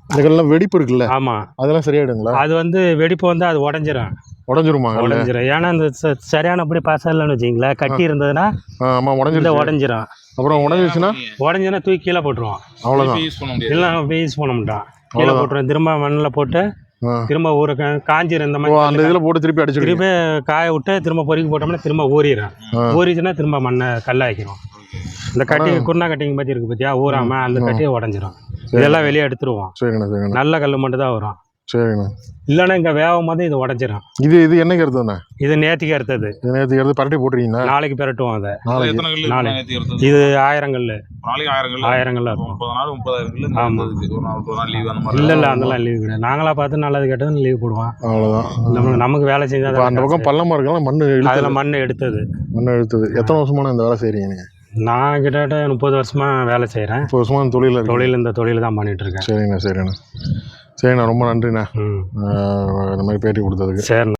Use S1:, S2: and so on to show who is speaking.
S1: இந்த கல்லாம் வெடிப்பு இருக்குல்ல?
S2: ஆமாம்.
S1: அதெல்லாம் சரியாயிடுங்களா?
S2: அது வந்து வெடிப்பு வந்து அது உடஞ்சிரும்.
S1: உடஞ்சிருமா?
S2: உடஞ்சிரும். ஏன்னா இந்த சரியானபடி பாசம் இல்லைன்னு வச்சிங்களேன், கட்டி இருந்ததுன்னா
S1: ஆமாம்
S2: உடஞ்சிரும்.
S1: அப்புறம் உடஞ்சிருச்சுன்னா
S2: தூக்கி கீழே போட்டுருவோம்.
S1: அவ்வளோதான்.
S2: இல்லை அப்படியே யூஸ் பண்ண மாட்டோம். கீழே போட்டுருவோம். திரும்ப மண்ணில் போட்டு திரும்ப ஊற காஞ்சிரும். இந்த மாதிரி
S1: அந்த இதில் போட்டு திருப்பி
S2: காய விட்டு திரும்ப பொறுக்கி போட்டோம்னா திரும்ப ஊறிடும். ஊறிச்சுன்னா திரும்ப மண்ணை கல்லாக்கிடும். இந்த கட்டி குருணா கட்டிங் பற்றி இருக்குது பார்த்தியா, ஊறாமல் அந்த கட்டியை உடஞ்சிரும். இதெல்லாம் வெளியே எடுத்துருவோம்.
S1: சரிங்கண்ணா.
S2: நல்ல கல் மட்டும் தான் வரும்.
S1: சரிண்ணா.
S2: இல்லைன்னா இங்கே வேகும் போது இது உடஞ்சிரும்.
S1: இது என்னைக்கு எடுத்ததுண்ணா?
S2: இது நேற்றுக்கு எடுத்தது.
S1: நேற்றுக்கு எடுத்து பரட்டி போட்டுருக்கீங்களா?
S2: நாளைக்கு பெரட்டுவோம் அதை.
S3: நாளைக்கு
S2: இது 1000 கல்.
S3: 1000
S2: கல் இருக்கும்.
S3: 30,000 30,000
S2: ஆமாம்.
S3: இல்லை
S2: இல்லை அதெல்லாம் லீவு கிடையாது. நாங்களாக பார்த்து நல்லது கேட்டது லீவ் போடுவோம்.
S1: அவ்வளோதான்.
S2: நமக்கு வேலை செஞ்சால்
S1: அந்த பக்கம் பள்ளமாக இருக்கலாம்.
S2: அதில் மண் எடுத்தது.
S1: எத்தனை வருஷமான இந்த வேலை செய்கிறீங்க நீங்கள்?
S2: நான் கிட்டத்தட்ட 30 வருஷமாக வேலை செய்கிறேன்.
S1: 30 வருஷமாக இந்த
S2: தொழில் தான் பண்ணிகிட்ருக்கேன்.
S1: சரிண்ணா. ரொம்ப நன்றிண்ணா இந்த மாதிரி பேட்டி கொடுத்ததுக்கு.
S2: சரி.